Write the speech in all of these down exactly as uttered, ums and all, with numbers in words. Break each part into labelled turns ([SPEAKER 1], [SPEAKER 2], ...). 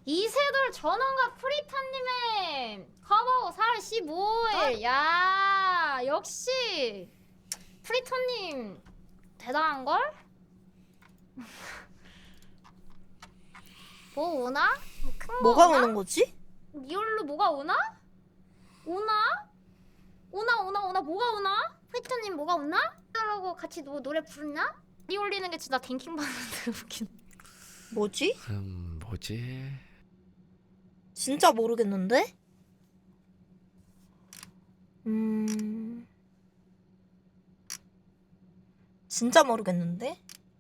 [SPEAKER 1] 이세돌 전원과 프리타님의 커버 사월 십오일. 야 역시 프리타님 대단한걸? 뭐 오나? 큰거
[SPEAKER 2] 뭐가
[SPEAKER 1] 오나?
[SPEAKER 2] 오는 거지?
[SPEAKER 1] 리얼로 뭐가 오나? 오나? 오나 오나 오나 뭐가 오나? 프리타님 뭐가 오나? 라고 같이 노, 노래 부르나? 이 올리는 게 진짜 댕킹 받는데 웃긴.
[SPEAKER 2] 뭐지?
[SPEAKER 3] 음 뭐지?
[SPEAKER 2] 진짜 모르겠는데? 음... 진짜 모르겠는데?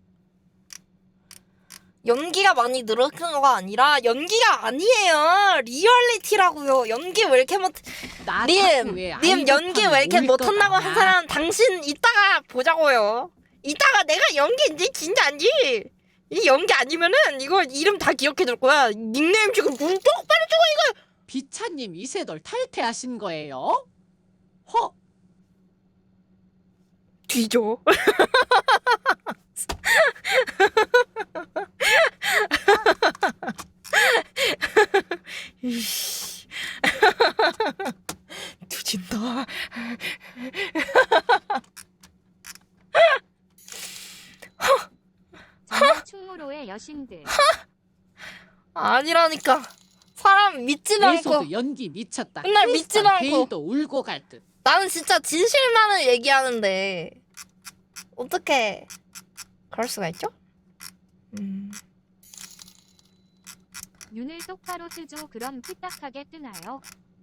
[SPEAKER 2] 연기가 많이 늘어난 거가 아니라 연기가 아니에요. 리얼리티라고요. 연기 왜 이렇게 못... 님! 님 연기 왜 이렇게 못한다고 한 사람 당신 이따가 보자고요. 이따가 내가 연기인지 진짜인지 이 연기 아니면은 이거 이름 다 기억해둘 거야. 닉네임 지금 눈 똑바로 주고 이거.
[SPEAKER 4] 비차님 이세돌 탈퇴하신 거예요? 허.
[SPEAKER 2] 뒤져. 이씨. 뒤진다.
[SPEAKER 5] 정말 충무로의 여신들.
[SPEAKER 2] 아니라니까. 사람 믿지도 않고.
[SPEAKER 4] 예소도 연기 미쳤다.
[SPEAKER 2] 맨날 믿지도 않고.
[SPEAKER 4] 베일도 울고 갈 듯.
[SPEAKER 2] 나는 진짜 진실만을 얘기하는데 어떻게 그럴 수가 있죠? 음.
[SPEAKER 5] 눈을 똑바로 뜨죠. 그럼 삐딱하게 뜨나요?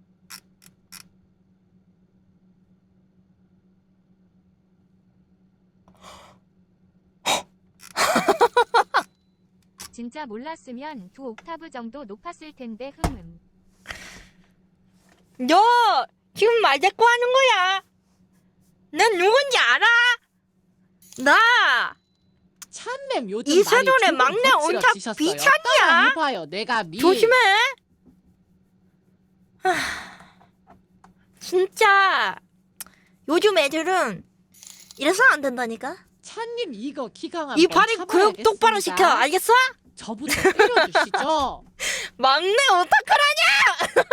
[SPEAKER 5] 진짜 몰랐으면 두 옥타브 정도 높았을 텐데 흠흠.
[SPEAKER 2] 너 지금 말 대꾸 하는 거야. 난 누군지 알아? 나
[SPEAKER 4] 참맴 요즘
[SPEAKER 2] 이세돌의
[SPEAKER 4] 많이
[SPEAKER 2] 막내
[SPEAKER 4] 조금
[SPEAKER 2] 온탑
[SPEAKER 4] 거칠어지셨어요.
[SPEAKER 2] 비찬이야.
[SPEAKER 4] 따라해봐요. 내가 미.
[SPEAKER 2] 조심해. 하, 진짜 요즘 애들은 이래서 안 된다니까.
[SPEAKER 4] 찬님 이거 기강한
[SPEAKER 2] 이
[SPEAKER 4] 번
[SPEAKER 2] 발이 교육 똑바로 시켜.
[SPEAKER 4] 참아야겠습니다.
[SPEAKER 2] 알겠어?
[SPEAKER 4] 저부터 때려주시죠.
[SPEAKER 2] 막내 오타쿠라냐?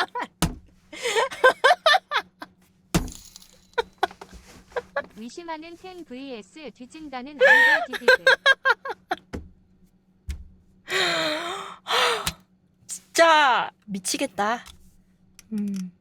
[SPEAKER 5] 의심하는 텐 vs 뒤진다는 아이돌 디디드.
[SPEAKER 2] 진짜 미치겠다. 음.